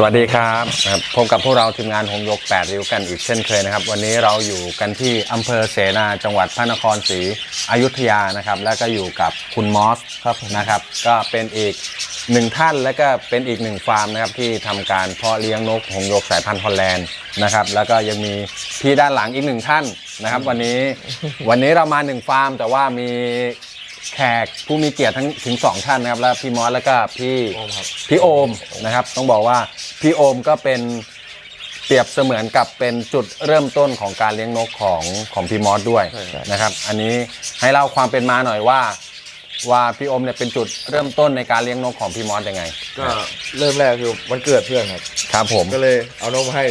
วัสดีครับพบกับพวกเราทีมงานหงส์หยก8ริ้วกันอีกเช่นเคยนะครับวันนี้เราอยู่กันที่อำเภอเสนาจังหวัดพระนครศรีอยุธยานะครับแล้วก็อยู่กับคุณมอสครับนะครับก็เป็นอีกหนึ่งท่านและก็เป็นอีกหนึ่งฟาร์มนะครับที่ทำการเพาะเลี้ยงนกหงส์หยกสายพันธุ์ฮอลแลนด์นะครับแล้วก็ยังมีพี่ด้านหลังอีกหนึ่งท่านนะครับวันนี้เรามา1ฟาร์มแต่ว่ามีแขกผู้มีเกียรติถึง2ท่านนะครับแล้วพี่มอสแล้วก็พี่โอมนะครับต้องบอกว่าพี่โอมก็เป็นเปรียบเสมือนกับเป็นจุดเริ่มต้นของการเลี้ยงนกของพี่มอสด้วยนะครับอันนี้ให้เล่าความเป็นมาหน่อยว่าพี่โอมเนี่ยเป็นจุดเริ่มต้นในการเลี้ยงนกของพี่มอสยังไงก็เริ่มแรกคือวันเกิดเพื่อนครับผมก็เลยเอานกมาให้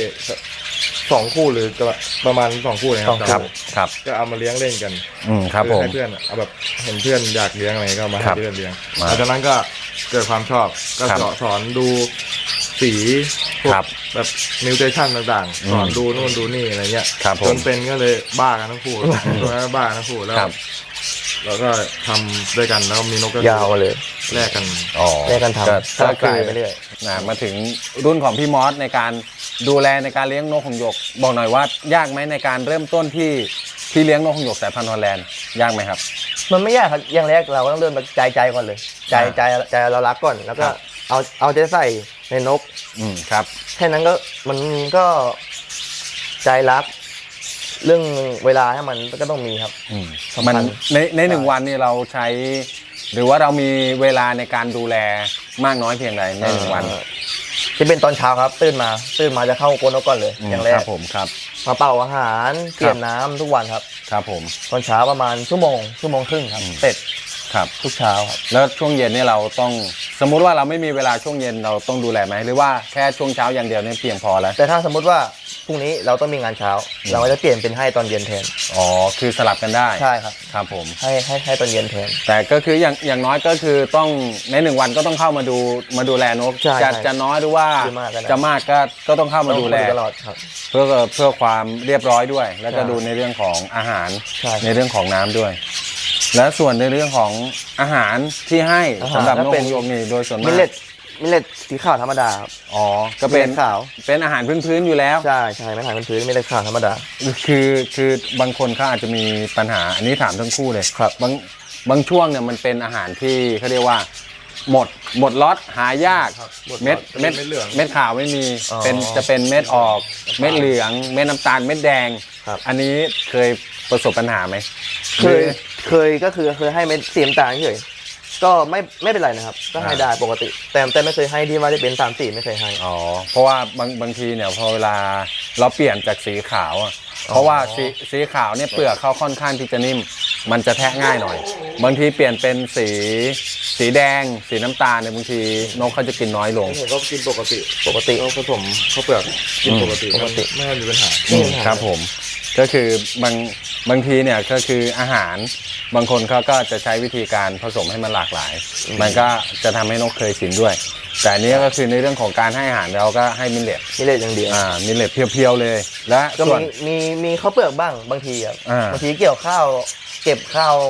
2 คู่หรือประมาณ2 คู่นะครับก็เอามาเลี้ยงเล่นกันครับผมให้เพื่อนเอาแบบเห็นเพื่อนอยากเลี้ยงอะไรก็มาให้เพื่อนเลี้ยงหลังจากนั้นก็เกิดความชอบก็สอนดูสีแบบนิวเทชั่นต่างๆสอนดูนู่นดูนี่อะไรเงี้ยจนเป็นก็เลยบ้ากันทั้งคู่บ้าทั้งคู่แล้วเราก็ทำด้วยกันแล้วมีนกก็ยาวเลยแลกกันทำก็กลายไปเรื่อยมาถึงรุ่นของพี่มอสในการดูแลในการเลี้ยงนกหงส์หยกบอกหน่อยว่ายากไหมในการเริ่มต้นที่เลี้ยงนกหงส์หยกสายพันธุ์ฮอลแลนด์ยากไหมครับมันไม่ยากครับอย่างแรกเราก็ต้องเริ่มใจก่อนเลยใจเรารักก่อนแล้วก็เอาใจใส่ในนกครับแค่นั้นก็มันก็ใจรักเรื่องเวลาให้มันก็ต้องมีครับมันใน1 วันนี่เราใช้หรือว่าเรามีเวลาในการดูแลมากน้อยเพียงใดใน1 วันที่เป็นตอนเช้าครับตื่นมาจะเข้าโกนนกก่อนเลยอย่างแรกผมครับมาเป่าอาหารเปลี่ยนน้ำทุกวันครับครับผมตอนเช้าประมาณชั่วโมงครึ่งครับเสร็จครับทุกเช้าครับแล้วช่วงเย็นนี่เราต้องสมมุติว่าเราไม่มีเวลาช่วงเย็นเราต้องดูแลไหมหรือว่าแค่ช่วงเช้าอย่างเดียวนี่เพียงพอแล้วแต่ถ้าสมมติว่าพรุ่งนี้เราต้องมีงานเช้าเราก็จะเปลี่ยนเป็นให้ตอนเย็นแทนอ๋อคือสลับกันได้ใช่ครับครับผมให้ตอนเย็นแทนแต่ก็คืออย่างน้อยก็คือต้องใน1 วันก็ต้องเข้ามาดูแลนกจะน้อยหรือว่าจะมากก็ต้องเข้ามาดูแลตลอดครับเพื่อความเรียบร้อยด้วยแล้วก็ดูในเรื่องของอาหารในเรื่องของน้ำด้วยและส่วนในเรื่องของอาหารที่ให้สำหรับนกหงส์หยกนี่โดยส่วนมากมิลเลตสีขาวธรรมดาครับอ๋อก็เป็นขาวเป็นอาหารพื้นๆอยู่แล้วใช่ไม่อาหารพื้นมิลเลตขาวธรรมดาคือบางคนเขาอาจจะมีปัญหาอันนี้ถามทั้งคู่เลยครับบางช่วงเนี่ยมันเป็นอาหารที่เขาเรียกว่าหมดล็อตหายากเม็ดขาวไม่มีจะเป็นเม็ดออกเม็ดเหลืองเม็ดน้ำตาลเม็ดแดงอันนี้เคยประสบปัญหาไหมเคยก็คือเคยให้เม็ดสีน้ำตาลเฉยก็ไม่เป็นไรนะครับก็ให้ได้ปกติแต่ไม่เคยให้ที่ว่าได้เป็น3 สีไม่เคยให้อ๋อเพราะว่าบางทีเนี่ยพอเวลาเราเปลี่ยนจากสีขาวเพราะว่าสีขาวเนี่ยเปลือกเขาค่อนข้างที่จะนิ่มมันจะแทะง่ายหน่อยบางทีเปลี่ยนเป็นสีแดงสีน้ำตาลเนี่ยบางทีนกเขาจะกินน้อยลงผมก็กินปกติผสมข้าวเปลือกกินปกติไม่มีปัญหาครับผมก็คือบางทีเนี่ยก็คืออาหารบางคนเขาก็จะใช้วิธีการผสมให้มันหลากหลายมันก็จะทำให้นกเคยชินด้วยแต่นี้ก็คือในเรื่องของการให้อาหารเราก็ให้มิลเลตอย่างเดียวมิลเลตเพียวๆเลยและก็มีข้าวเปลือกบ้างบางทีครับบางทีเกี่ยวข้าวเก็บข้าว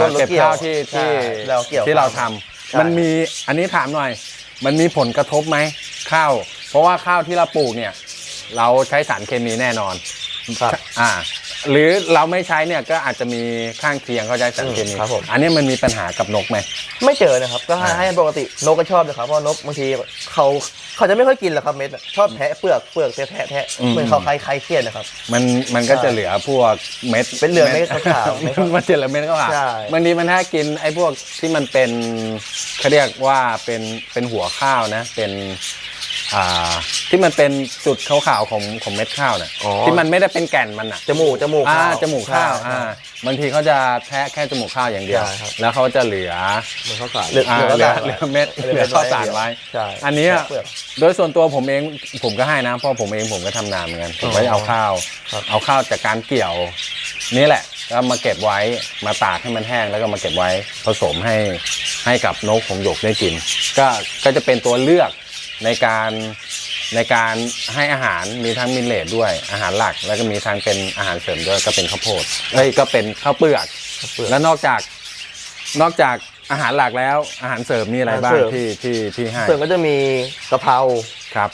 ที่เราทำมันมีอันนี้ถามหน่อยมันมีผลกระทบไหมข้าวเพราะว่าข้าวที่เราปลูกเนี่ยเราใช้สารเคมีแน่นอนหรือเราไม่ใช้เนี่ยก็อาจจะมีข้างเคียงเขาใช้สารเคมีอันนี้มันมีปัญหากับนกไหมไม่เจอนะครับก็ให้ปกตินกก็ชอบเลยครับเพราะนกบางทีเขาจะไม่ค่อยกินหรอกครับเม็ดชอบแทะเปลือกแทะเหมือนเขาใครเครียดนะครับมันก็จะเหลือพวกเม็ดเป็นเหลือเม็ดขาวมันจะเหลือเม็ดขาวบางทีมันถ้ากินไอ้พวกที่มันเป็นเขาเรียกว่าเป็นหัวข้าวนะเป็นที่มันเป็นจุดขาวๆของเม็ดข้าวเนี่ยที่มันไม่ได้เป็นแก่นมันจมูกข้าวบางทีเขาจะแทะแค่จมูกข้าวอย่างเดียวแล้วเขาจะเหลือข้าวสารเหลือเม็ดเหลือข้าวสารไว้อันนี้โดยส่วนตัวผมเองผมก็ให้นะเพราะผมก็ทำนาเหมือนกันผมก็เอาข้าวจากการเกี่ยวนี่แหละก็มาเก็บไว้มาตากให้มันแห้งแล้วก็มาเก็บไว้ผสมให้กับนกหงส์หยกได้กินก็จะเป็นตัวเลือกในการให้อาหารมีทั้งมิลเลตด้วยอาหารหลักแล้วก็มีทั้งเป็นอาหารเสริมด้วยก็เป็นข้าวโพดก็เป็นข้าวเปลือกแล้วนอกจากอาหารหลักแล้วอาหารเสริมมีอะไรบ้างที่ให้เสริมก็จะมีกะเพราครับ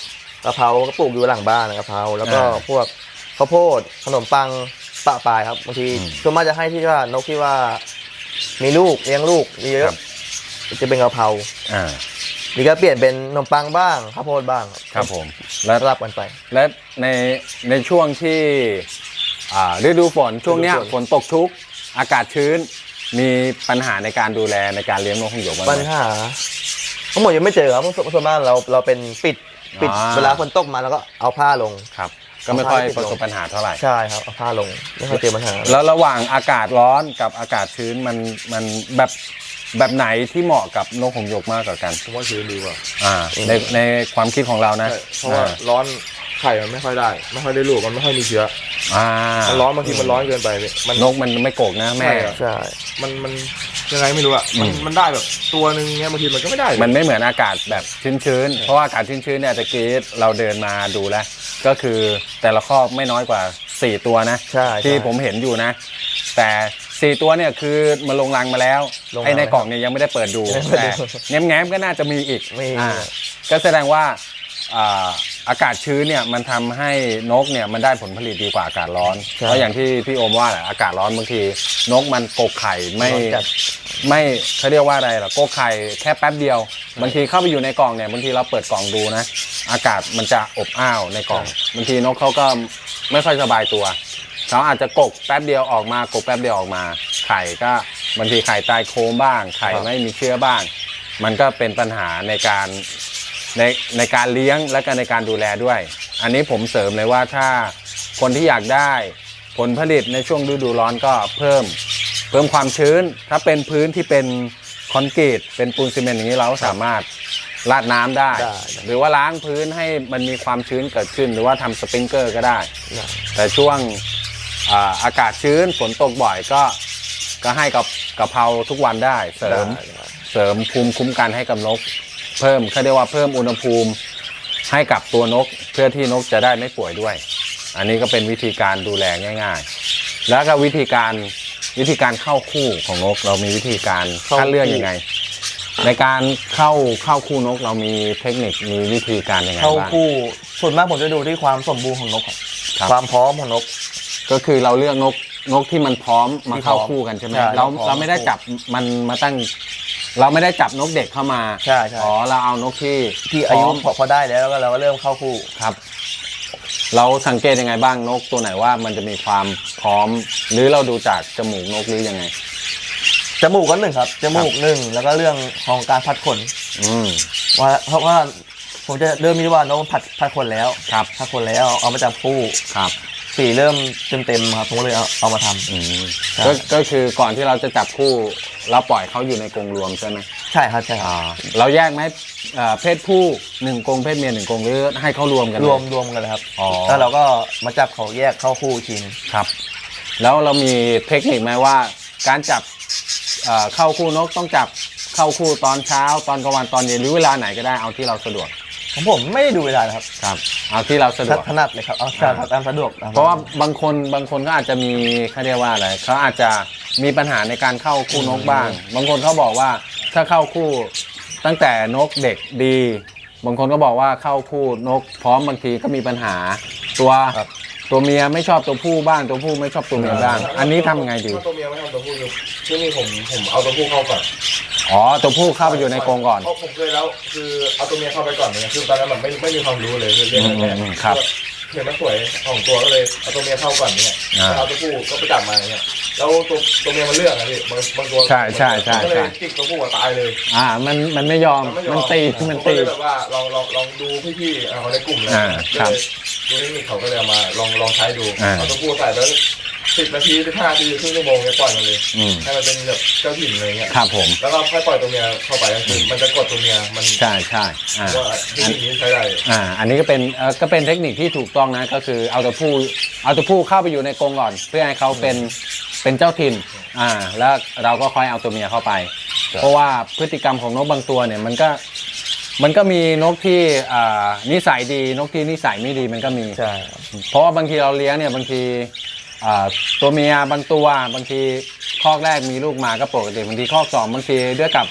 กะเพราก็ปลูกอยู่หลังบ้านนะกะเพราแล้วก็พวกข้าวโพดขนมปังปะปลายครับบางทีส่วนมากจะให้ที่ว่านกที่ว่ามีลูกเลี้ยงลูกมีเยอะจะเป็นกะเพรา นี่ก็เปลี่ยนเป็นขนมปังบ้างข้าวโพดบ้างครับผมแล้วสลับกันไปและในช่วงที่ฤดูฝนช่วงเนี้ยฤดูฝนฝนตกชุกอากาศชื้นมีปัญหาในการดูแลในการเลี้ยงนกหงส์หยกบ้างไหมปัญหาทั้งหมดยังไม่เจอครับเพราะส่วนมากเราเป็นปิดอ่าเวลาฝนตกมาแล้วก็เอาผ้าลงครับก็ไม่ค่อยเอาผ้าประสบปัญหาเท่าไหร่ใช่ครับเอาผ้าลงไม่ค่อยเจอปัญหาแล้วระหว่างอากาศร้อนกับอากาศชื้นมันแบบไหนที่เหมาะกับนกหงส์หยกมากกว่ากันผมว่าชื้นดีกว่าในความคิดของเรานะใช่เพราะว่าร้อนไข่มันไม่ค่อยได้ลูกมันไม่ค่อยมีเชื้ออ่ามันร้อนบางทีมันร้อนเกินไปพี่มันนกมันไม่โกกนะแม่ใช่ครับใช่มันยังไงไม่รู้อะมันได้แบบตัวหนึ่งเงี้ยบางทีมันก็ไม่ได้มันไม่เหมือนอากาศแบบชื้นๆ เพราะว่าอากาศชื้นๆเนี่ยตะกี้เราเดินมาดูแล้ว ก็คือแต่ละคอกไม่น้อยกว่า 4 ตัวนะใช่ที่ผมเห็นอยู่นะ แต่4ตัวเนี่ยคือมันลงรังมาแล้วลงรังไอ้ในกล่องเนี่ยยังไม่ได้เปิดดูยังไม่ได้แต่เปิดดูแง้มๆก็น่าจะมีอีกมีก็แสดงว่าอากาศชื้นเนี่ยมันทำให้นกเนี่ยมันได้ผลผลิตดีกว่าอากาศร้อนใช่เพราะอย่างที่พี่โอมว่าแหละอากาศร้อนบางทีนกมันกกไข่ไม่ร้อนจัดไม่เขาเรียกว่าอะไรล่ะโกไข่แค่แป๊บเดียวบางทีเข้าไปอยู่ในกล่องเนี่ยบางทีเราเปิดกล่องดูนะอากาศมันจะอบอ้าวในกล่องบางทีนกเขาก็ไม่ค่อยสบายตัวเขาอาจจะกกแป๊บเดียวออกมากกแป๊บเดียวออกมา ไข่ก็บางทีไข่ตายโค้งบ้าง ไข่ไม่มีเชื้อบ้าง มันก็เป็นปัญหาในการเลี้ยงและก็ในการดูแลด้วย อันนี้ผมเสริมเลยว่าถ้าคนที่อยากได้ผลผลิตในช่วงฤดูร้อนก็เพิ่มความชื้น ถ้าเป็นพื้นที่เป็นคอนกรีตเป็นปูนซีเมนต์อย่างนี้เราสามารถราดน้ำได้ หรือว่าล้างพื้นให้มันมีความชื้นเกิดขึ้น หรือว่าทำสปริงเกอร์ก็ได้ แต่ช่วงอากาศชื้นฝนตกบ่อยก็ให้กับกะเพราทุกวันได้เสริมภูมิคุ้มกันให้กับนก เพิ่มเขาเรียกว่าเพิ่มอุณหภูมิให้กับตัวนกเพื่อที่นกจะได้ไม่ป่วยด้วย อันนี้ก็เป็นวิธีการดูแลง่ายๆ แล้วก็วิธีการเข้าคู่ของนกเรามีวิธีการคัดเลือกยังไง ในการเข้าคู่นกเรามีเทคนิคมีวิธีการยังไงเข้าบ้างคู่ส่วนมากผมจะดูที่ความสมบูรณ์ของนกครับครับความพร้อมของนกก็คือเราเลือกนกที่มันพร้อมมาเข้าคู่กันใช่ไหมใช่เราพร้อมเราไม่ได้จับมันมาตั้ง เราไม่ได้จับนกเด็กเข้ามาใช่อ๋อเราเอานกที่ที่อายุพร้มพอได้แล้วก็เราก็เริ่มเข้าคู่ครับ เราสังเกตยังไงบ้างนกตัวไหนว่ามันจะมีความพร้อม หรือเราดูจากจมูกนกหรือยังไงจมูกก็หนึ่งครับจมูกหนึ่งแล้วก็เรื่องของการพัดขนอืมเพราะว่าผมจะเริ่มมีว่านกพัดขนแล้วครับพัดขนแล้วเอามาจับคู่ครับสีเริ่มเต็มครับผมก็เลยเอามาทำอืมใช่ก็คือก่อนที่เราจะจับคู่ เราปล่อยเขาอยู่ในกรงรวมใช่ไหมใช่ครับใช่ครับเราแยกไหมเพศผู้1กรงเพศเมีย1กรงหรือให้เขารวมกันเลยรวมกันเลยครับอ๋อแล้วเราก็มาจับเขาแยกเข้าคู่อีกทีนึงครับ แล้วเรามีเทคนิคไหมว่าการจับเข้าคู่นกต้องจับเข้าคู่ตอนเช้าตอนกลางวันตอนเย็นหรือเวลาไหนก็ได้เอาที่เราสะดวกของผมไม่ได้ดูเวลานะครับครับเอาที่เราสะดวกถนัดเลยครับเอาตามสะดวกเพราะว่าบางคนก็อาจจะมีเขาเรียกว่าอะไรเขาอาจจะมีปัญหาในการเข้าคู่นกบ้าง บางคนเขาบอกว่าถ้าเข้าคู่ตั้งแต่นกเด็กดี บางคนก็บอกว่าเข้าคู่นกพร้อมบางทีก็มีปัญหาตัวเมียไม่ชอบตัวผู้บ้างตัวผู้ไม่ชอบตัวเมียบ้างอันนี้ทำยังไงดีตัวเมียไม่เอาตัวผู้อยู่ที่นี่ผมเอาตัวผู้เข้าก่อนอ๋อตัวผู้เข้าไปอยู่ในกรงก่อนเพราะผมเคยแล้วคือเอาตัวเมียเข้าไปก่อนเนี่ยคือตอนนั้นแบบไม่มีความรู้เลยเรื่องอะไรครับเห็นมันสวยของตัวก็เลยเอาตัวเมียเข้าก่อนเนี่ยเอาตัวผู้ก็ไปจับมาเนี่ยแล้วตัวเมียมันเลือกอะพี่บางตัวใช่ก็เลยจิกตัวผู้ตายเลยมันไม่ยอมมันตีก็เลยแบบว่าลองดูพี่ๆเขาในกลุ่มเลยครับดูเทคนิคเขาก็เลยเอามาลองใช้ดู เอาตัวผู้ใส่แล้ว10 นาที15 นาทีครึ่งชั่วโมงเนี่ยปล่อยมันเลย ให้มันเป็นแบบเจ้าถิ่นอะไรเงี้ยครับผมแล้วก็ค่อยปล่อยตัวเมียเข้าไปก็คือมันจะกดตัวเมียมันใช่ว่าเทคนิคนี้ใช้ได้อันนี้ก็เป็นเทคนิคที่ถูกต้องนะก็คือเอาตัวผู้เข้าไปอยู่ในกรงก่อน เพื่อให้เขาเป็นเจ้าถิ่นแล้วเราก็ค่อยเอาตัวเมียเข้าไป เพราะว่าพฤติกรรมของนกบางตัวเนี่ยมันก็มีนกที่นิสัยดีนกที่นิสัยไม่ดีมันก็มีใช่เพราะว่าบางทีเราเลี้ยงเนี่ยบางทีตัวเมียบางตัวบางทีคอกแรกมีลูกมาก็ปกติบางทีคอกสองบางทีด้วยกับ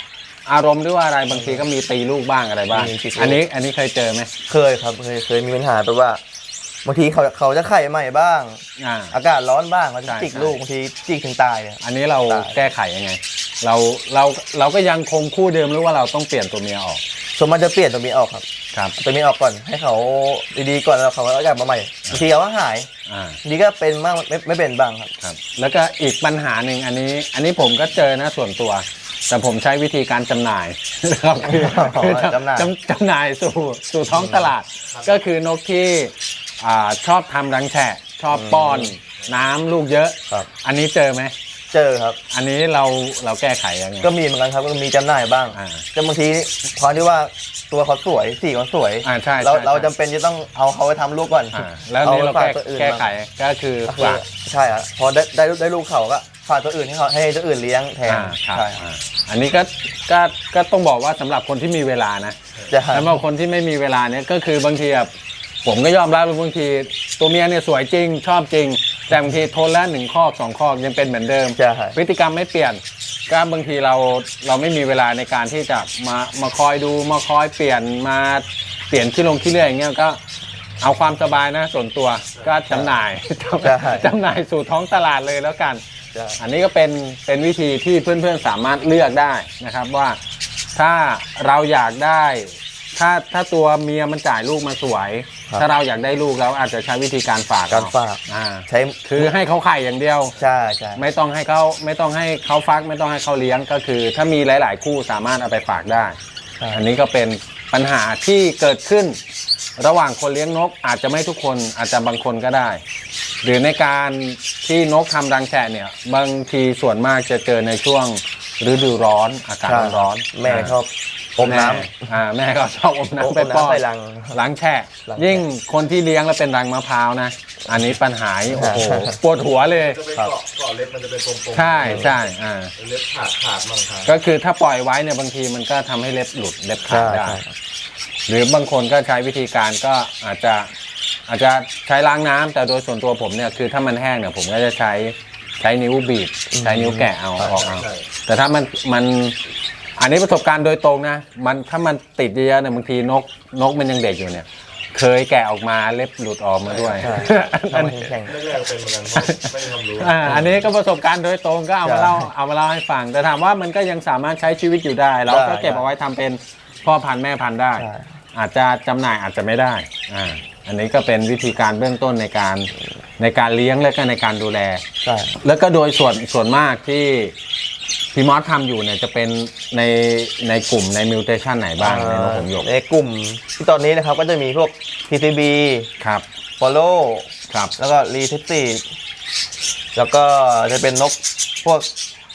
อารมณ์หรือว่าอะไรบางทีก็มีตีลูกบ้างอะไรบ้างมีตีลูกอันนี้เคยเจอไหมเคยครับเคยมีปัญหาแบบว่าบางทีเขาจะไข่ใหม่บ้างอ่าอากาศร้อนบ้างเขาจะใช่จิกใช่ลูกบางทีจิกถึงตายอะอันนี้เราได้แก้ไขยังไง เราก็ยังคงคู่เดิมหรือว่าเราต้องเปลี่ยนตัวเมียออกส่วนมากจะเปลี่ยนตัวเมียออกครับครับตัวเมียออกก่อนให้เขาดีๆก่อนแล้วเขาก็กลับมาใหม่บางทีเขาก็หายอ่าดีก็เป็นบ้างไม่เป็นบ้างครับครับแล้วก็อีกปัญหาหนึ่งอันนี้ผมก็เจอนะส่วนตัว แต่ผมใช้วิธีการจำหน่าย นะครับคือจำหน่ายจำหน่ายสู่ท้องตลาด ก็คือนกที่ชอบทำรังแฉะชอบป้อนน้ำลูกเยอะครับอันนี้เจอไหมเจอครับอันนี้เราแก้ไขยังไงก็มีเหมือนกันครับก็มีจำหน่ายบ้างอ่าแต่บางทีพอที่ว่าตัวเขาสวยสีเขาสวยใช่เราใช่เราจำเป็นจะต้องเอาเขาไปทำลูกก่อนแล้วนี่เราฝแก้ไขก็คือก็คือฝากใช่ครับพอได้ลูกเขาก็ฝากตัวอื่นให้ตัวอื่นเลี้ยงแทนครับใช่ครับอันนี้ก็ต้องบอกว่าสำหรับคนที่มีเวลานะจะสำหรับคนที่ไม่มีเวลาเนี่ยก็คือบางทีแบบผมก็ยอมรับว่าบางทีตัวเมียเนี่ยสวยจริงชอบจริง แต่บางทีทนแล้ว1 ข้อ 2 ข้อยังเป็นเหมือนเดิมใช่พฤติกรรมไม่เปลี่ยนก็บางทีเราไม่มีเวลาในการที่จะมาคอยดูมาคอยเปลี่ยนมาเปลี่ยนขี้เลื่อยอย่างเงี้ยก็เอาความสบายนะส่วนตัวก็จำหน่าย จำหน่ายสู่ท้องตลาดเลยแล้วกันใช่อันนี้ก็เป็นวิธีที่เพื่อนๆสามารถเลือกได้นะครับว่าถ้าเราอยากได้ถ้าตัวเมียมันจ่ายลูกมาสวย ถ้าเราอยากได้ลูกเราอาจจะใช้วิธีการฝากการฝากอ่าใช้คือให้เขาไข่อย่างเดียวใช่ไม่ต้องให้เขาฟักไม่ต้องให้เขาเลี้ยงก็คือ ถ้ามีหลาย ๆ คู่สามารถเอาไปฝากได้ใช่อันนี้ก็เป็นปัญหาที่เกิดขึ้น ระหว่างคนเลี้ยงนกอาจจะไม่ทุกคนอาจจะบางคนก็ได้ หรือในการที่นกทำรังแฉะเนี่ยบางทีส่วนมากจะเจอในช่วงฤดูร้อนอากาศร้อนแม่ชอบอมน้แม่ก็ชอบอมำน้ำไปป้อนใส่รังล้างแฉะล้างแฉะยิ่งคนที่เลี้ยงแล้วเป็นรังมะพร้าวนะ อันนี้ปัญหาโอ้โหปวดหัวเลยจะเป็นเกาะเล็บมันจะเป็นกลมๆใช่เล็บขาดมั่งครับก็คือถ้าปล่อยไว้เนี่ยบางทีมันก็ทำให้เล็บหลุดเล็บขาดได้ใช่หรือบางคนก็ใช้วิธีการก็อาจจะใช้ล้างน้ำแต่โดยส่วนตัวผมเนี่ยคือถ้ามันแห้งเนี่ยผมก็จะใช้นิ้วบีบใช้นิ้วแกะเอาออกเอาแต่ถ้ามันอันนี้ประสบการณ์โดยตรงนะถ้ามันติดเยอะเนี่ยบางทีนกมันยังเด็กอยู่เนี่ย เคยแกะออกมาเล็บหลุดออกมาด้วยใช่อันทำให้แข็งแรกๆเป็นเหมือนกันเพราะไม่มีความรู้อันนี้ก็ประสบการณ์โดยตรงก็เอามาเล่าให้ฟัง แต่ถามว่ามันก็ยังสามารถใช้ชีวิตอยู่ได้ เราก็เก็บเอาไว้ทำเป็นพ่อพันธุ์แม่พันธุ์ได้ใช่อาจจะจำหน่ายอาจจะไม่ได้อันนี้ก็เป็นวิธีการเบื้องต้นในการเลี้ยงและก็ในการดูแลใช่แล้วก็โดยส่วนมากที่พี่มอสทำอยู่เนี่ยจะเป็นในกลุ่มในมิวเทชันไหนบ้างในนกหงส์หยกในกลุ่มที่ตอนนี้นะครับก็จะมีพวก PCB ครับ Follow ครับแล้วก็ r e t e s t แล้วก็จะเป็นนกพวก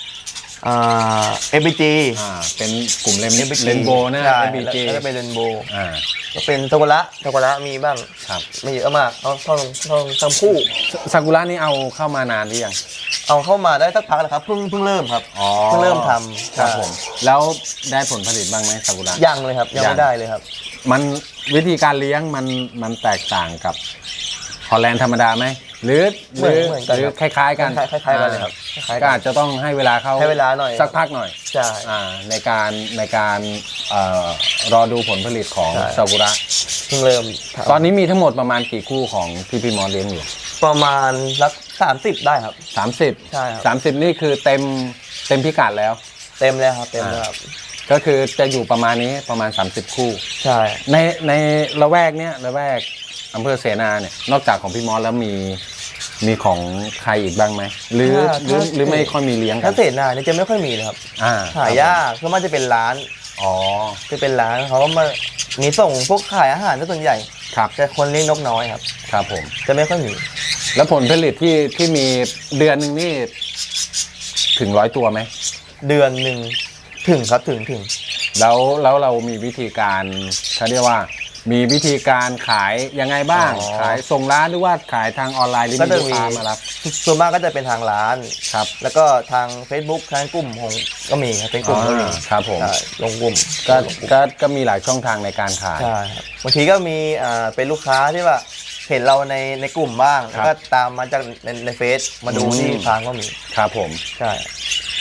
FBG เป็นกลุ่มเรนโบนะใช่ FBG แล้วก็เป็นเรนโบอ่าก็เป็นซากุระมีบ้างครับไม่เยอะมากทั้งคู่ซากุระนี่เอาเข้ามานานหรือยังเอาเข้ามาได้สักพักแล้วครับเพิ่งเริ่มครับอ๋อเพิ่งเริ่มทำครับผมแล้วได้ผลผลิตบ้างไหมซากุระยังเลยครับยังไม่ได้เลยครับมันวิธีการเลี้ยงมันแตกต่างกับฮอลแลนด์ธรรมดาไหมหรือเหมือนกันหรือครับคล้ายๆกันคล้ายๆกันเลยครับคล้ายๆก็กันอาจจะต้องให้เวลาเขาให้เวลาหน่อยสักพักหน่อยใช่ในการรอดูผลผลิตของใช่ซากุระเพิ่งเริ่มทำตอนนี้มีทั้งหมดประมาณกี่คู่ของที่พี่มอสเลี้ยงอยู่ประมาณสัก30ได้ครับ 30 ใช่ครับ 30นี่คือเต็มพิกัดแล้วเต็มเลยครับเต็มเลยครับก็คือจะอยู่ประมาณนี้ประมาณ30 คู่ใช่ในละแวกเนี้ยละแวกอำเภอเสนาเนี่ยนอกจากของพี่มอสแล้วมีของใครอีกบ้างไหมหรือไม่ค่อยมีเลี้ยงกัถ้าน เศษนาเนี่ยจะไม่ค่อยมีเลยครับหายากเพราะมันจะเป็นร้านอ๋อจะเป็นร้านเขาก็มามีส่งพวกขายอาหารซะส่วนใหญ่ครับแต่คนเลี้ยงนกน้อยครับครับผมจะไม่ค่อยมีแล้วผลผลิตที่มีเดือนหนึ่งนี่ถึง100 ตัวไหมเดือนหนึ่งถึงครับถึงแล้วเรามีวิธีการเขาเรียกว่ามีวิธีการขายยังไงบ้าง ขายส่งร้านหรือว่าขายทางออนไลน์หรือมีลูกค้ามารับส่วนมากก็จะเป็นทางร้านครับแล้วก็ทาง Facebook ทางกลุ่มของก็มีครับเป็นกลุ่มก็มีครับผมใช่ลงกลุ่มก็มีหลายช่องทางในการขายใช่ครับบางทีก็มีเป็นลูกค้าที่ว่าเห็นเราในกลุ่มบ้างครับแล้วก็ตามมาจากในเฟซมาดูอืมที่ฟาร์มก็มีครับผมใช่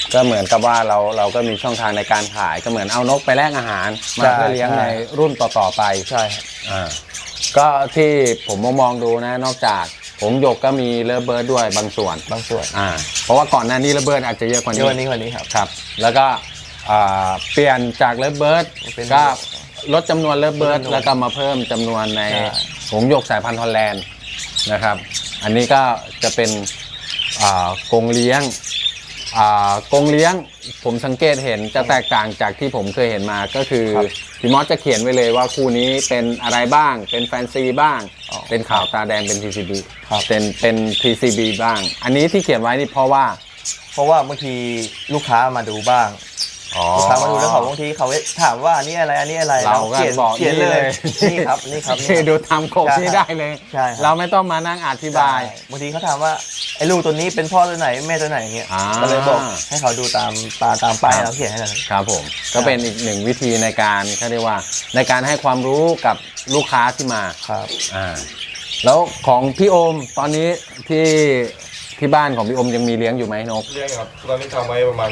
ก็เหมือนกับว่าเราก็มีช่องทางในการขายก็เหมือนเอานกไปแลกอาหารมาเพื่อเลี้ยงในรุ่นต่อๆไปใช่ครับก็ที่ผมมองดูนะนอกจากหงส์หยกก็มีเลิฟเบิร์ดด้วยบางส่วนเพราะว่าก่อนหน้านี้เลิฟเบิร์ดอาจจะเยอะกว่านี้ครับแล้วก็เปลี่ยนจากเลิฟเบิร์ดก็ลดจำนวนเลิฟเบิร์ดแล้วก็มาเพิ่มจำนวนในหงส์หยกสายพันธุ์ฮอลแลนด์นะครับอันนี้ก็จะเป็นกรงเลี้ยงผมสังเกตเห็นจะแตกต่างจากที่ผมเคยเห็นมาก็คือพี่มอสจะเขียนไว้เลยว่าคู่นี้เป็นอะไรบ้างเป็นแฟนซีบ้างเป็นขาวตาแดงเป็น TCB เป็น TCB บ้างอันนี้ที่เขียนไว้นี่เพราะว่าบางทีลูกค้ามาดูบ้างลูกค้ามาดูแล้วเขาบางทีเขาถามว่านี่อะไรเราก็บอกเขียนเลยนี่ครับดูทำโคกนี่ได้เลยเราไม่ต้องมานั่งอธิบายบางทีเขาถามว่าไอ้ลูกตัวนี้เป็นพ่อตัวไหนแม่ตัวไหนเงี้ยก็เลยบอกให้เขาดูตามป้ายเราเขียนให้เลยครับผมก็เป็นอีกหนึ่งวิธีในการเขาเรียกว่าในการให้ความรู้กับลูกค้าที่มาครับแล้วของพี่โอมตอนนี้ที่บ้านของพี่โอมยังมีเลี้ยงอยู่ไหมนกเลี้ยงครับตอนนี้ทำไว้ประมาณ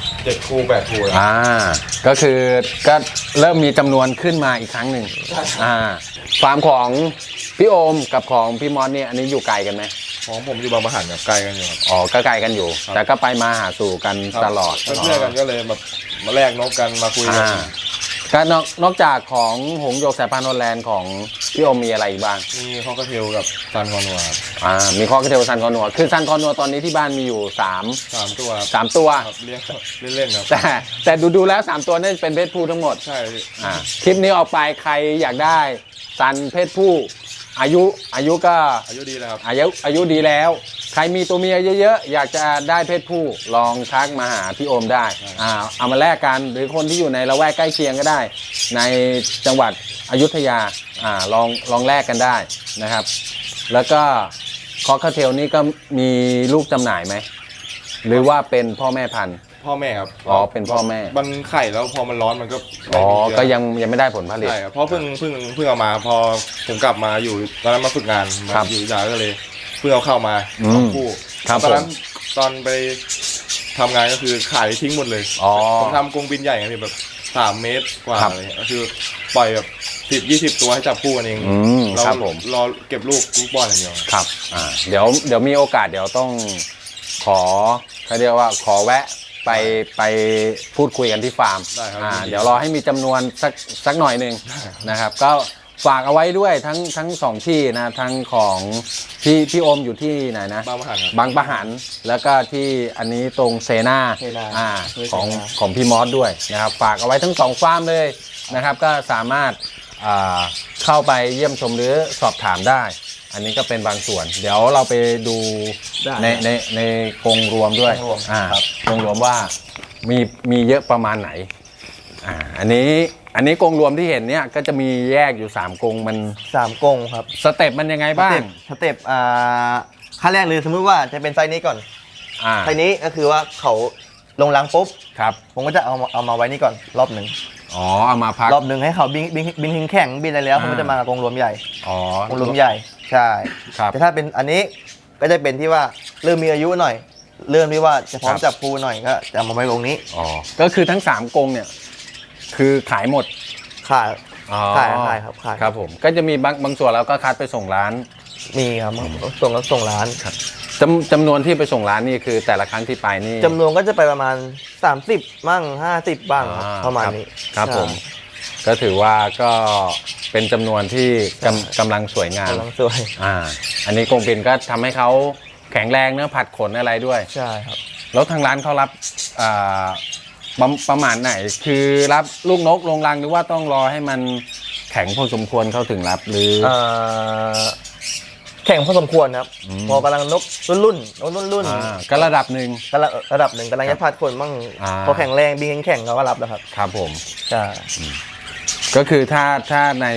7 คู่ 8 คู่ก็คือก็เริ่มมีจำนวนขึ้นมาอีกครั้งหนึ่งฟาร์มของพี่โอมกับของพี่มอสเนี่ยอันนี้อยู่ไกลกันไหมของผมอยู่บางปะหันกับไกลกันอยู่ครับก็ไกลกันอยู่แต่ก็ไปมาหาสู่กันตลอดเพื่อนกันก็เลยแบบมาแลกนกกันมาคุยกันก็นอกจากของหงส์หยกสายพันธุ์ฮอลแลนด์ของพี่โอมมีอะไรอีกบ้างมีคอกระเทลกับซันคอนัวครับมีคอกระเทลซันคอนัวคือซันคอนัวตอนนี้ที่บ้านมีอยู่3 ตัวเลี้ยงเล่นๆครับแต่ดูแล้ว3 ตัวนี่เป็นเพศผู้ทั้งหมดใช่คลิปนี้ออกไปใครอยากได้ซันเพศผู้อายุก็อายุดีแล้วครับอายุดีแล้วใครมีตัวเมียเยอะๆอยากจะได้เพศผู้ลองทักมาหาพี่โอมได้เอามาแลกกันหรือคนที่อยู่ในละแวกใกล้เคียงก็ได้ในจังหวัดอยุธยาลองแลกกันได้นะครับแล้วก็คอกเทลนี่ก็มีลูกจำหน่ายไหมหรือว่าเป็นพ่อแม่พันธุ์พ่อแม่ครับเป็นพ่อแม่มันไข่แล้วพอมันร้อนมันก็ก็ยังไม่ได้ผลผลิตใช่ครับเพราะเพิ่งเอามาพอผมกลับมาอยู่ตอนนั้นมาฝึกงานอยู่ยาก็เลยเพิ่งเอาเข้ามาคู่ตอนนั้นตอนไปทำงานก็คือขายทิ้งหมดเลยผมทำกรงบินใหญ่ไงแบบ3 เมตรกว่าเลยก็คือปล่อยแบบ10-20 ตัวให้จับคู่กันเองเรารอเก็บลูกบอลอย่างเดียวครับเดี๋ยวมีโอกาสเดี๋ยวต้องเขาเรียกว่าขอแวะไปพูดคุยกันที่ฟาร์มเดี๋ยวรอให้มีจำนวนสักหน่อยหนึ่งนะครับก็ฝากเอาไว้ด้วยทั้ง2 ที่นะทั้งของพี่โอมอยู่ที่ไหนนะบางปะหันแล้วก็ที่อันนี้ตรงเซนาของพี่มอสด้วยนะครับฝากเอาไว้ทั้ง2 ฟาร์มเลยนะครับก็สามารถเข้าไปเยี่ยมชมหรือสอบถามได้อันนี้ก็เป็นบางส่วนเดี๋ยวเราไปดูในกรงรวมด้วยกรงรวมว่ามีเยอะประมาณไหนอันนี้กรงรวมที่เห็นเนี่ยก็จะมีแยกอยู่3 กรงมัน 3 กรงครับสเต็ปมันยังไงบ้างสเต็ปขั้นแรกเลยสมมติว่าจะเป็นไซส์นี้ก่อนไซส์นี้ก็คือว่าเขาลงรังปุ๊บครับผมก็จะเอามาไว้นี่ก่อนรอบหนึ่งเอามาพักรอบหนึ่งให้เขาบินแข่งบินอะไรแล้วผมก็จะมากรงรวมใหญ่กรงรวมใหญ่ใช่แต่ถ้าเป็นอันนี้ก็จะเป็นที่ว่าเริ่มมีอายุหน่อยเริ่มที่ว่าจะพร้อมจับปูหน่อยก็จะมาไว้ตรงนี้ก็คือทั้ง3 กรงเนี่ยคือขายหมดขายครับขายครับผมก็จะมีบางส่วนเราก็คัดไปส่งร้านมีครับส่งร้านครับจำนวนที่ไปส่งร้านนี่คือแต่ละครั้งที่ไปนี่จำนวนก็จะไปประมาณ30บ้าง50บ้างประมาณนี้ครับผมก็ถือว่าก็เป็นจำนวนที่กำลังสวยงามสวยอันนี้กรงบินก็ทำให้เขาแข็งแรงเนื้อผัดขนอะไรด้วยใช่ครับแล้วทางร้านเขารับประมาณไหนคือรับลูกนกลงรังหรือว่าต้องรอให้มันแข็งพอสมควรเขาถึงรับหรือแข่งพอสมควรครับพอกำลังนกรุ่นก็ระดับหนึ่งกำลังจะผัดขนบ้างพอแข็งแรงบินแข่งเขาก็รับแล้วครับครับผมใช่ก็คือถ้าใน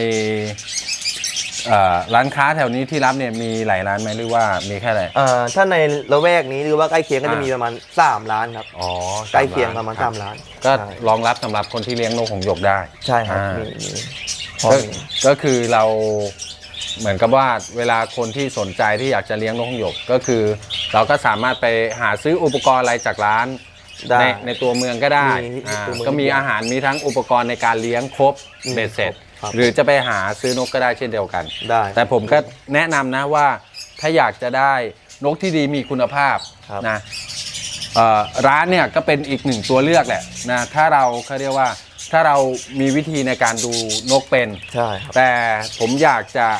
ร้านค้าแถวนี้ที่รับเนี่ยมีหลายร้านไหมหรือว่ามีแค่ไหนถ้าในละแวกนี้หรือว่าใกล้เคียงก็จะมีประมาณ3 ร้านครับใกล้เคียงประมาณ3 ร้านก็รองรับสำหรับคนที่เลี้ยงนกหงส์หยกได้ใช่ครับก็คือเราเหมือนกับว่าเวลาคนที่สนใจที่อยากจะเลี้ยงนกหงส์หยกก็คือเราก็สามารถไปหาซื้ออุปกรณ์อะไรจากร้านได้ในตัวเมืองก็ได้มีตัวเมืองก็มีอาหารมีทั้งอุปกรณ์ในการเลี้ยงครบเบ็ดเสร็จครับหรือจะไปหาซื้อนกก็ได้เช่นเดียวกันได้แต่ผมก็แนะนำนะว่าถ้าอยากจะได้นกที่ดีมีคุณภาพครับนะร้านเนี่ยก็เป็นอีกหนึ่งตัวเลือกแหละนะถ้าเราเขาเรียกว่าถ้าเรามีวิธีในการดูนกเป็นใช่ครับแต่ผมอยากจะ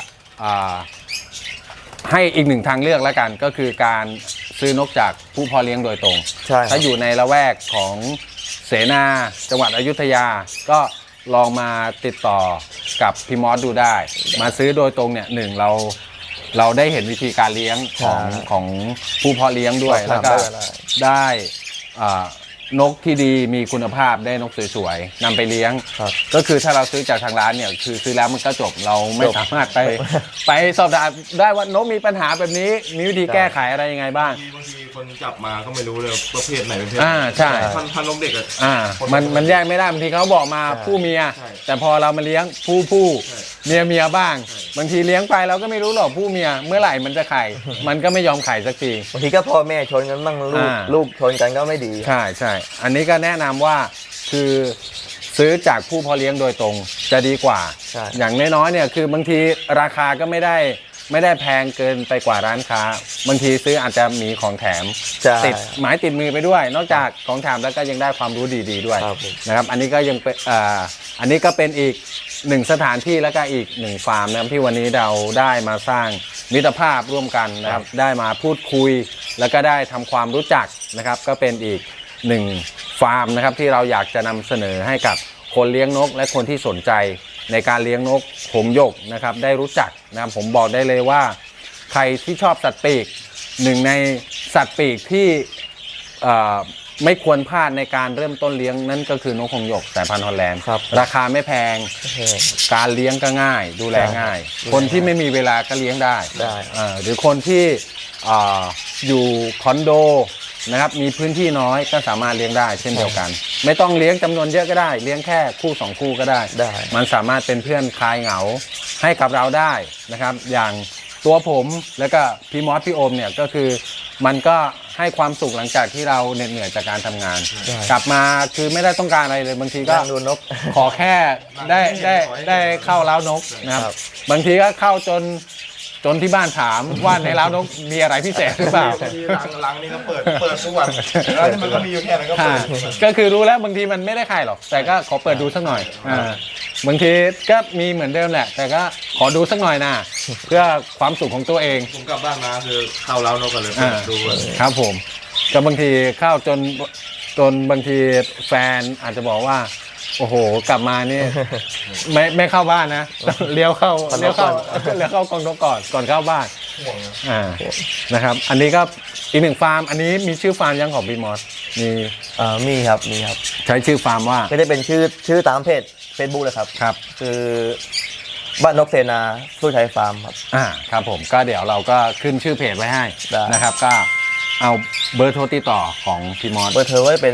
ให้อีกหนึ่งทางเลือกแล้วกันก็คือการซื้อนกจากผู้เพาะเลี้ยงโดยตรงใช่ครับถ้าอยู่ในละแวกของเสนาจังหวัดอยุธยา ก็ลองมาติดต่อกับพี่มอสดูได้ มาซื้อโดยตรงเนี่ยหนึ่งเราได้เห็นวิธีการเลี้ยงของผู้เพาะเลี้ยงด้วยสอบแล้วถามก็ได้ได้นกที่ดีมีคุณภาพได้นกสวยๆนำไปเลี้ยงครับก็คือถ้าเราซื้อจากทางร้านเนี่ยคือซื้อแล้วมันก็จบเราไม่จบสามารถไปสอบถามได้ว่านกมีปัญหาแบบนี้มีวิธีแก้ไขอะไรยังไงบ้างบางทีคนจับมาก็ไม่รู้เลยประเภทไหนเป็นเพศใช่พันนกเด็กอะมันแยกไม่ได้บางทีเขาบอกมาใช่ผู้เมียใช่แต่พอเรามาเลี้ยงผู้ใช่เมียบ้างใช่บางทีเลี้ยงไปเราก็ไม่รู้หรอกผู้เมียเมื่อไหร่มันจะไข่ มันก็ไม่ยอมไข่สักทีบางทีก็พ่อแม่ชนกันบ้างลูกชนกันก็ไม่ดีใช่อันนี้ก็แนะนำว่าคือซื้อจากผู้เพาะเลี้ยงโดยตรงจะดีกว่าใช่อย่างน้อยๆเนี่ยคือบางทีราคาก็ไม่ได้แพงเกินไปกว่าร้านค้า บางทีซื้ออาจจะมีของแถมใช่ติดหมายติดมือไปด้วย นอกจากของแถมแล้วก็ยังได้ความรู้ดีๆด้วยครับผมนะครับอันนี้ก็ยังเป็นอันนี้ก็เป็นอีกหนึ่งสถานที่แล้วก็อีกหนึ่งฟาร์มนะครับที่วันนี้เราได้มาสร้างมิตรภาพร่วมกันนะครับได้มาพูดคุย แล้วก็ได้ทำความรู้จักนะครับก็เป็นอีกหนึ่งฟาร์มนะครับที่เราอยากจะนำเสนอให้กับคนเลี้ยงนกและคนที่สนใจในการเลี้ยงนกหงส์หยกนะครับได้รู้จักนะครับผมบอกได้เลยว่าใครที่ชอบสัตว์ปีกหนึ่งในสัตว์ปีกที่ไม่ควรพลาดในการเริ่มต้นเลี้ยงนั่นก็คือนกหงส์หยกสายพันธุ์ฮอลแลนด์ครับราคาไม่แพง การเลี้ยงก็ง่าย ดูแลง่าย คนที่ไม่มีเวลาก็เลี้ยงได้ได้หรือคนที่อยู่คอนโดนะครับมีพื้นที่น้อยก็สามารถเลี้ยงได้เช่นเดียวกัน ไม่ต้องเลี้ยงจำนวนเยอะก็ได้ เลี้ยงแค่คู่2คู่ก็ได้ได้มันสามารถเป็นเพื่อนคลายเหงาให้กับเราได้นะครับ อย่างตัวผมแล้วก็พี่มอสพี่โอมเนี่ยก็คือมันก็ให้ความสุขหลังจากที่เราเหน็ดเหนื่อยจากการทำงานใช่กลับมาคือไม่ได้ต้องการอะไรเลยบางทีก็นั่งดูนกขอแค่ได้เข้าเล้านกนะครับครับบางทีก็เข้าจนที่บ้านถามว่าในเล้านกมีอะไรพิเศษหรือเปล่าบางทีลังนี่ก็เปิดทุกวันแล้วที่มันก็มีอยู่แค่นั้นก็เปิดทุกวันก็คือรู้แล้วบางทีมันไม่ได้ไข่หรอก แต่ก็ขอเปิดดูสักหน่อยบางทีก็มีเหมือนเดิมแหละ แต่ก็ขอดูสักหน่อยนะเพื่อความสุขของตัวเองผมกลับบ้านมาคือเข้าเล้านกกันเลยเปิดดูเลยครับผมก็บางทีเข้าจนบางทีแฟนอาจจะบอกว่า โอ้โหกลับมานี่ ไม่เข้าบ้านนะเลี้ยวเข้ากองนกก่อนเข้าบ้านห่วงนะนะครับ อันนี้ก็อีกหนึ่งฟาร์ม อันนี้มีชื่อฟาร์มยังของพี่มอสมีมีครับมีครับใช้ชื่อฟาร์มว่าก็จะเป็นชื่อตามเพจ Facebook เลยครับครับคือบ้านนกเสนาสู้ชัยฟาร์มครับครับผมก็เดี๋ยวเราก็ขึ้นชื่อเพจไว้ให้ได้นะครับ ก็เอาเบอร์โทรติดต่อของพี่มอสเบอร์เธอว่าจะเป็น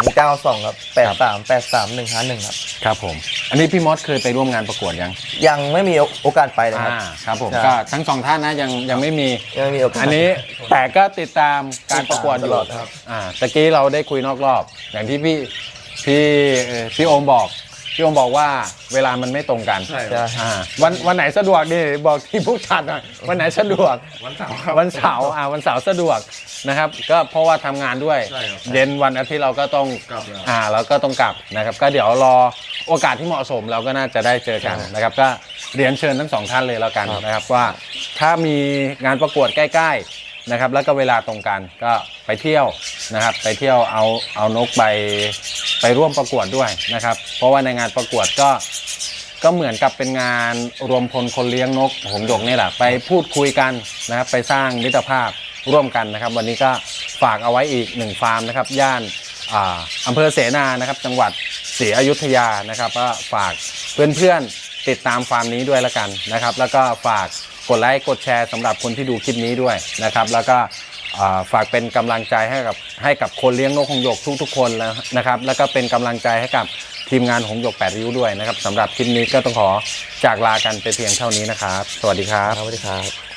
092ครับ8383 151ครับครับผม อันนี้พี่มอสเคยไปร่วมงานประกวดยังยังไม่มีโอกาสไปเลยครับครับผมใช่ก็ทั้งสองท่านนะยังไม่มียังไม่มีโอกาสอันนี้แต่ก็ติดตามการประกวดอยู่ตลอดครับตะกี้เราได้คุยนอกรอบ อย่างที่พี่โอมบอกว่าเวลามันไม่ตรงกันใช่ใช่วันไหนสะดวกนี่บอกที่ผู้จัดหน่อยวันไหนสะดวกวันเสาร์ครับวันเสาร์สะดวกนะครับ ก็เพราะว่าทำงานด้วยใช่ครับเย็นวันอาทิตย์เราก็ต้องกลับแล้วเราก็ต้องกลับนะครับ ก็เดี๋ยวรอโอกาสที่เหมาะสมเราก็น่าจะได้เจอกันนะครับ ก็เรียนเชิญทั้งสองท่านเลยแล้วกันนะครับว่าถ้ามีงานประกวดใกล้ๆนะครับ แล้วก็เวลาตรงกันก็ไปเที่ยวนะครับ ไปเที่ยวเอานกไปร่วมประกวดด้วยนะครับ เพราะว่าในงานประกวดก็เหมือนกับเป็นงานรวมพลคนเลี้ยงนกหงส์หยกนี่แหละไปพูดคุยกันนะครับไปสร้างมิตรภาพร่วมกันนะครับ วันนี้ก็ฝากเอาไว้อีกหนึ่งฟาร์มนะครับย่านอำเภอเสนานะครับจังหวัดศรีอยุธยานะครับก็ฝากเพื่อนๆติดตามฟาร์มนี้ด้วยละกันนะครับ แล้วก็ฝากกดไลค์กดแชร์สำหรับคนที่ดูคลิปนี้ด้วยนะครับ แล้วก็ฝากเป็นกำลังใจให้กับคนเลี้ยงนกหงส์หยกทุกๆคนนะครับ แล้วก็เป็นกำลังใจให้กับทีมงานหงส์หยก8ริ้วด้วยนะครับสำหรับคลิปนี้ก็ต้องขอจากลากันไปเพียงเท่านี้นะครับ สวัสดีครับสวัสดีครับ